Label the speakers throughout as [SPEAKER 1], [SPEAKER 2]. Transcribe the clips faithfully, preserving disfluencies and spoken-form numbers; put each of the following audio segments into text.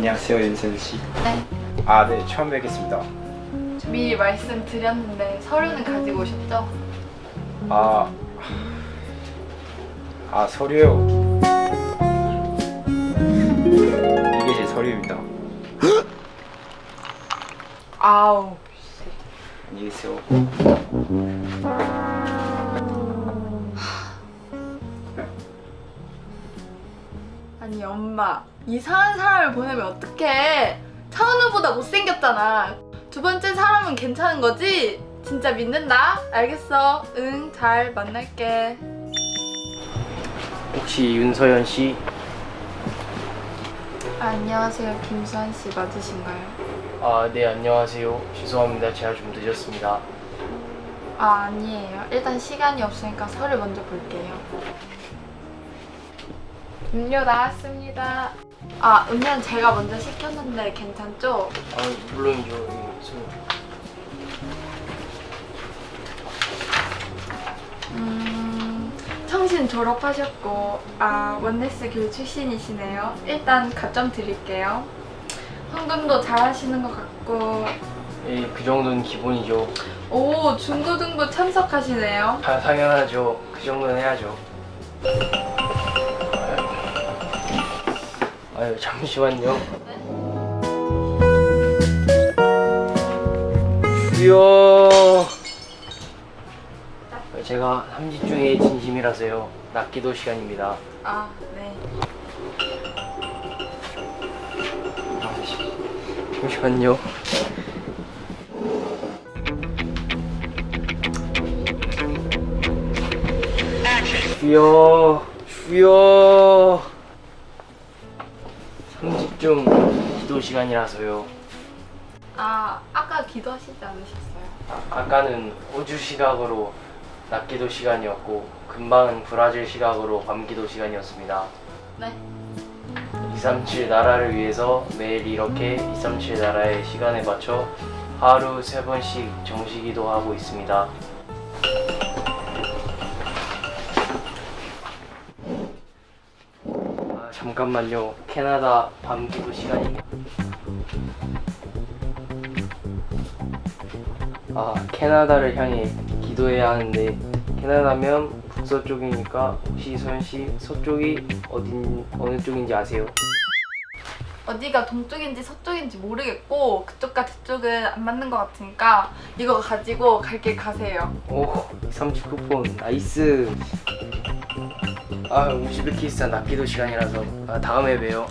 [SPEAKER 1] 안녕하세요, 윤선 씨.
[SPEAKER 2] 네.
[SPEAKER 1] 아, 네, 처음 뵙겠습니다.
[SPEAKER 2] 미리 말씀드렸는데 서류는 가지고 오셨죠?
[SPEAKER 1] 아, 아 서류요. 이게 제 서류입니다.
[SPEAKER 2] 아우.
[SPEAKER 1] 안녕히 계세요.
[SPEAKER 2] 아니 엄마, 이상한 사람을 보내면 어떡해? 차은우보다 못생겼잖아. 두 번째 사람은 괜찮은 거지? 진짜 믿는다? 알겠어. 응, 잘 만날게.
[SPEAKER 3] 혹시 윤서연 씨?
[SPEAKER 2] 아, 안녕하세요. 김수환 씨 맞으신가요?
[SPEAKER 3] 아, 네, 안녕하세요. 죄송합니다. 제가 좀 늦었습니다.
[SPEAKER 2] 아, 아니에요. 일단 시간이 없으니까 서류 먼저 볼게요. 음료 나왔습니다. 아, 음료는 제가 먼저 시켰는데 괜찮죠?
[SPEAKER 3] 아, 물론이죠. 예, 저...
[SPEAKER 2] 음, 청신 졸업하셨고, 아, 원네스 교육 출신이시네요. 일단 가점 드릴게요. 헌금도 잘하시는 것 같고,
[SPEAKER 3] 예, 그 정도는 기본이죠.
[SPEAKER 2] 오, 중고등부 참석하시네요.
[SPEAKER 3] 다 당연하죠. 그 정도는 해야죠. 아유, 잠시만요. 주여. 제가 삼집 중에 진심이라서요. 낚기도 시간입니다.
[SPEAKER 2] 아, 네.
[SPEAKER 3] 잠시만요. 주여, 주여. 삼집 중 기도 시간이라서요.
[SPEAKER 2] 아, 아까 기도하시지 않으셨어요?
[SPEAKER 3] 아, 아까는 호주 시각으로 낮기도 시간이었고 금방은 브라질 시각으로 밤기도 시간이었습니다.
[SPEAKER 2] 네.
[SPEAKER 3] 이삼칠 나라를 위해서 매일 이렇게 이삼칠 나라의 시간에 맞춰 하루 세 번씩 정시기도 하고 있습니다. 아, 잠깐만요. 캐나다 밤기도 시간입니다. 아, 캐나다를 향해 기도해야 하는데 캐나다면 북서쪽이니까 혹시 소연씨 서쪽이 어딘 어느 쪽인지 아세요?
[SPEAKER 2] 어디가 동쪽인지 서쪽인지 모르겠고 그쪽과 저쪽은 안 맞는 것 같으니까 이거 가지고 갈 길 가세요.
[SPEAKER 3] 오, 이삼십 쿠폰 나이스. 아, 우즈베키스탄 낚기도 시간이라서 아, 다음에 봬요.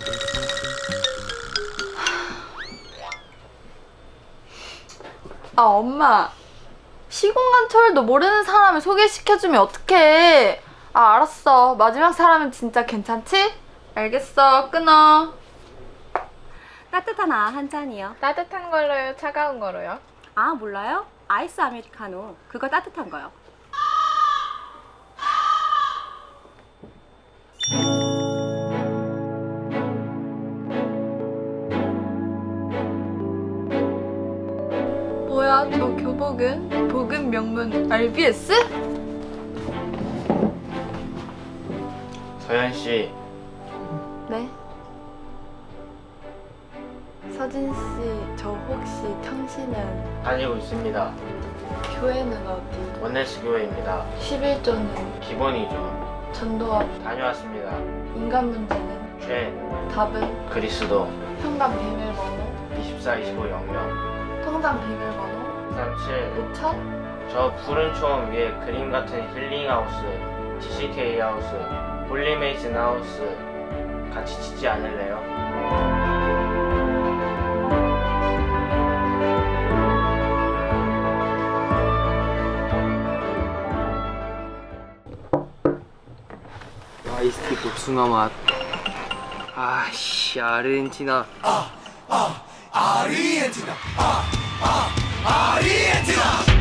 [SPEAKER 2] 아, 엄마, 시공간철도 모르는 사람을 소개시켜주면 어떡해. 아, 알았어. 마지막 사람은 진짜 괜찮지? 알겠어. 끊어.
[SPEAKER 4] 따뜻한 아 한 잔이요.
[SPEAKER 2] 따뜻한 걸로요? 차가운 거로요?
[SPEAKER 4] 아, 몰라요? 아이스 아메리카노. 그거 따뜻한 거요.
[SPEAKER 2] 뭐야, 저 교복은? 복음 명문 알비에스?
[SPEAKER 3] 서연 씨,
[SPEAKER 2] 네. 서진 씨, 저 혹시 평신은
[SPEAKER 3] 다니고 있습니다.
[SPEAKER 2] 교회는 어디?
[SPEAKER 3] 원네스 교회입니다.
[SPEAKER 2] 십일조는
[SPEAKER 3] 기본이죠.
[SPEAKER 2] 전도와
[SPEAKER 3] 다녀왔습니다.
[SPEAKER 2] 인간 문제는
[SPEAKER 3] 죄,
[SPEAKER 2] 답은
[SPEAKER 3] 그리스도,
[SPEAKER 2] 현관 비밀번호,
[SPEAKER 3] 이십사 이십오 영영,
[SPEAKER 2] 통장 비밀번호,
[SPEAKER 3] 삼칠.
[SPEAKER 2] 오천?
[SPEAKER 3] 저 푸른 초원 위에 그림 같은 힐링 하우스, 지씨케이 하우스, 홀리메이슨 하우스 같이 짓지 않을래요? 아이스티 복숭아 맛. 아씨, 아르헨티나.
[SPEAKER 5] Argentina, ah, ah, Argentina.